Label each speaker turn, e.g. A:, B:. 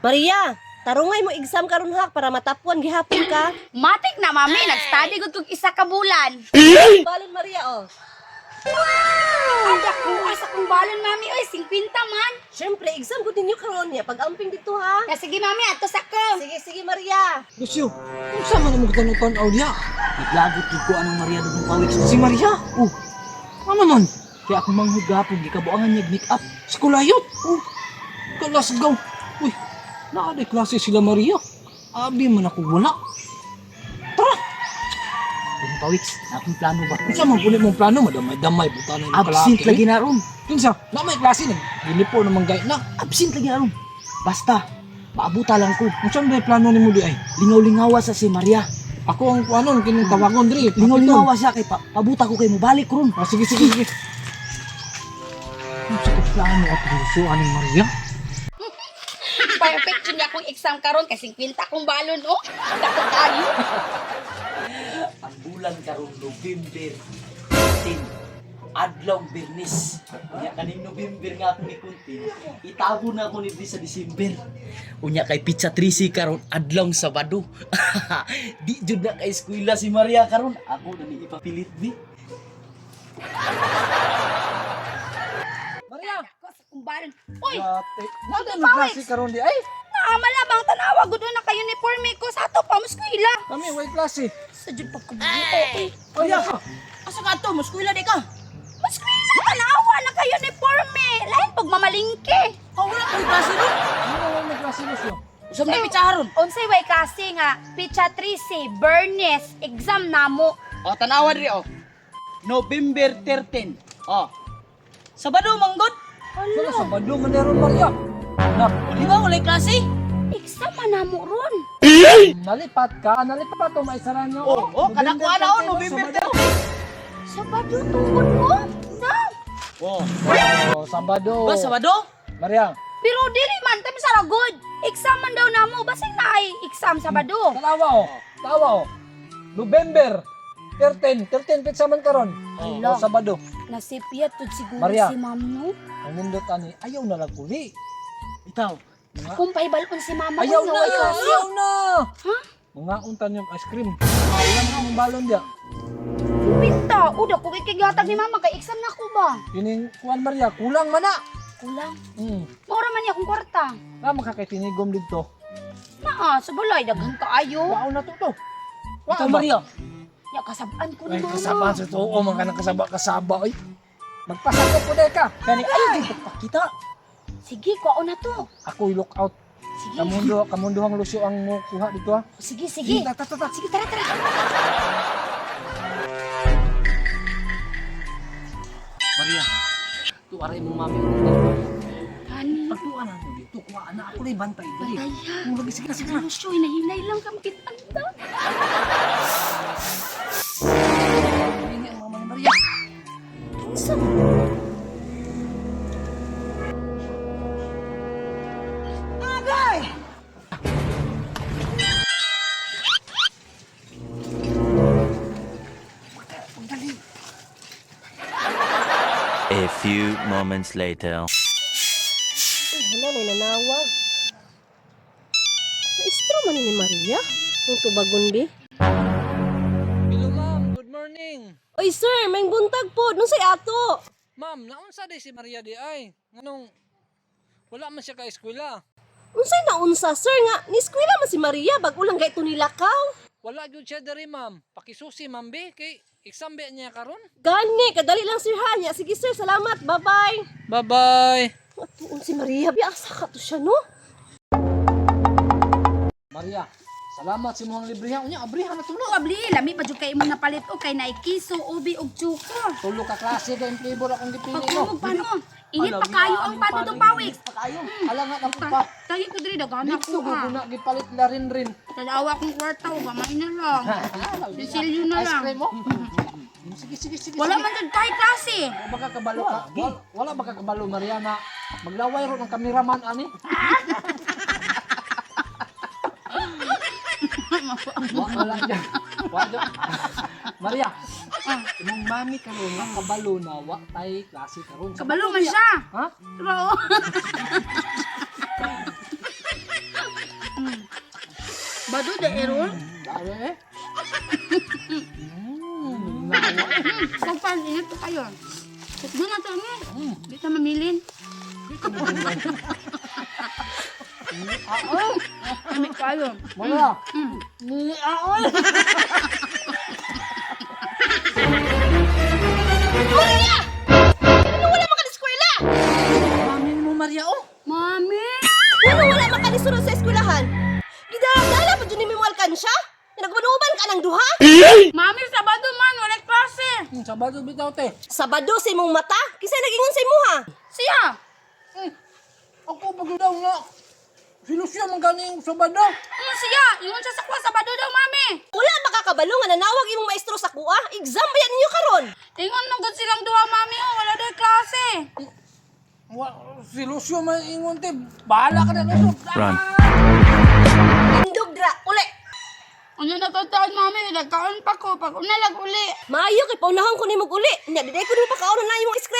A: Maria, tarungay mo exam karon ha para matapuan gihapon ka.
B: Matik na, mami. Nag-study ko kung isa ka bulan.
A: Balon Maria oh.
B: Ang dako, asa kong balon, mami. Oy, 50 man.
A: Syempre exam ko ninyo karon niya pag amping dito ha.
B: Sige, mami. Ato sa ko.
A: Sige Maria.
C: Lucio, kung saan man mo tanong-tanaw diya?
D: Naglagot gid ko anong Maria dugong pawik
C: Si Maria? Oh, ano man?
D: kaya akong manghud gapon gikabuangan niya make up.
C: Si Kulayot? Oh, kalasgaw. Uy, naaday klase sila Maria. Abi man ako wala. Tara!
D: Dugong pawik, na akong plano ba?
C: Kung saan man kulit mong plano, madamay-damay, buta na yung
D: Absent
C: kalaki.
D: lagi na ron.
C: Kinsa, na may klase na. Gilipo naman gay na.
D: Absent lagi na ron. Basta, maabuta lang ko.
C: Kung saan ba yung plano ni mo di ay?
D: Lingaw-lingawa sa si Maria.
C: Ako ang ano, kining tawagon diri.
D: Lingaw-lingawa siya kay pabuta ko kay mo balik ron.
C: Ah, sige. Ang sakit plano at Lucio, aning Maria.
B: Perfect yun akong exam karon kasi 50 akong balon, oh. Dako tayo.
D: Ang bulan karon November 10. Adlaw Bernes. Unya kaning November nga ako ni Kunti, itabo na ako ni sa December. Unya kay Pizza Trisi karon adlaw Sabado. Di jud na kay eskwela si Maria karon. Ako na ni ipapilit bi.
C: Maria!
B: Dako sa kong balon. Uy,
C: Ate, nada may klase karon di ay?
B: naamalabang tanawa gud na kay uniforme ko sa ato pa muskwila.
C: Kami, way klase.
B: Sa jud pagkabuo.
C: Maria!
B: Asa ka to? Muskwila di ka? Muskwila! Tanawa na kay uniforme. Lain pag mamalingke. Oh, wala kang klase ron.
C: Ano may klase, Lucio?
B: Usap na picharon. Unsay way kasi nga Picha 13 Bernes exam namo.
E: O, tanawa diri o. November 13. O. Sabado, manggod.
C: Wala sa bado man meron Maria. Nak,
E: Di ba, walay klase?
B: Exam man namo ron.
C: nalipat o maisara nyo.
E: O, kanak ko ana o, November 13.
B: Sabado tungod mo? Na.
E: O.
C: Oh, Sabado.
E: Ba, Sabado?
C: Maria,
B: Pero dili man tabi sa ragod. Exam man daw namo basig na ay exam Sabado.
C: tawa o. November 13 pizza man karon.
B: Hala.
C: Oh, Sabado.
B: Nasipiyat tud siguro
C: Maria.
B: si ma'am no.
C: Ang nindot ani, ayaw na lang uli.
E: Itaw.
B: Kung paibalon si mama
C: Ayaw
B: ko
C: na,
B: way kasi.
C: ayaw na.
B: Ha?
C: Mga untan yung ice cream. Wala na ang balon dia.
B: Pinta, uda ko kay kigatag ni mama kay exam na ko ba?
C: Kining kuan Maria, kulang man na.
B: Kulang.
C: Hmm.
B: Maura man niya akong kwarta.
C: Na makakaitinigom dito.
B: Naa, sa balay daghan kaayo.
C: Wow na to.
E: Itaw, Maria.
B: Ya kasabaan ko ni
C: Ay,
B: mama.
C: kasama sa too, man ka ng kasaba, oy. Magpasakop po ka.
E: Kani, ayaw din pagpakita.
B: Sige, kuha na to.
C: Ako i-look out.
B: Sige.
C: Kamunduhang Lucio ang kuha dito ha.
B: Sige, sige.
C: Tata.
B: Sige, tara.
D: Maria, tuwaray mo mami.
B: Kani.
D: Pagtuan na dito, kuha na ako na bantay dali.
B: Bantaya.
D: Kung lagi sige na.
B: Ano siya, hinahinay lang kami kitanda.
D: Ini ang mama ni Maria.
B: Kinsa?
F: A few moments later.
A: Uy, hala na nanawag. Maestro man ni Maria. Kung tubagon bi.
C: Hello ma'am, good morning.
A: Oy sir, may buntag po. Nung say ato.
C: Ma'am, naunsa di si Maria di ay? Nganong wala man siya ka eskwela.
A: Unsay naunsa sir nga ni eskwela man si Maria bag ulang gay to nilakaw.
C: Wala gyud siya diri ma'am. Pakisusi ma'am be kay exam be niya karon.
A: Gani, kadali lang sir ha. Nya, sige sir, salamat. Bye-bye.
C: Bye-bye.
A: Atuon si Maria, biasa ka to siya no?
C: Maria, salamat si mohang librihan. Unya abrihan na tulo.
B: Abli, lami pa jud kay imong napalit o kay naikiso, ubi ug tsuko.
C: Tulo ka klase ka yung flavor akong gipili
B: Pagkumog
C: mo.
B: pa no. Init pa kayo ang pato do pawik.
C: Ala nga lang pa.
B: Tayo ko diri dagana
C: Dito
B: ko ha.
C: guguna gipalit la rin.
B: Tanawa kong kwarta o gamay na lang. Sisilyo na
C: Ice
B: lang.
C: cream mo. Sige.
B: Wala man jud kay klase.
C: Wala baka kabalo ka. Wala baka kabalo Mariana. Maglaway ro ng kameraman ani. Wala dyan. Maria, imong mami karon nga kabalo na wa tay klase karon.
B: Kabalo man siya.
C: Ha?
B: Pero Errol?
C: Dali.
B: Pagpalinit ko kayo. Doon na to niya. Di ka mamilin. Kami kayo.
C: Maria.
A: Maria! Ano wala man ka na eskwela?
E: Mami mo, Maria, oh.
B: Mami!
A: Ano wala man ka ni sunod sa eskwelahan? Gidala pa dyan ni mo alkansya? Nagmanuban ka ng duha?
B: Mami, Sabado man, wala klase.
C: Sabado bitaw te.
A: Sabado sa imong mata? Kisay nagingon sa imuha?
B: Siya!
C: Ako pag daw nga. Silusya man gani yung Sabado.
B: Ano siya? Ingon siya sa kwa, Sabado daw, Mami.
A: Wala ba kakabalo nga nanawag imong maestro sa kuha? Exam ba yan ninyo karon?
B: Ingon nung good silang duha, Mami, oh, wala daw klase.
C: Silusya man ingon te. Bahala ka na kaso.
F: Run.
A: Indog dra, uli!
B: Ano natataon, Mami? Nagkaon pa ko. Pag unalag uli.
A: Maayo kay paunahon ko nimog uli. Nya diday ko nimo pakaon na imong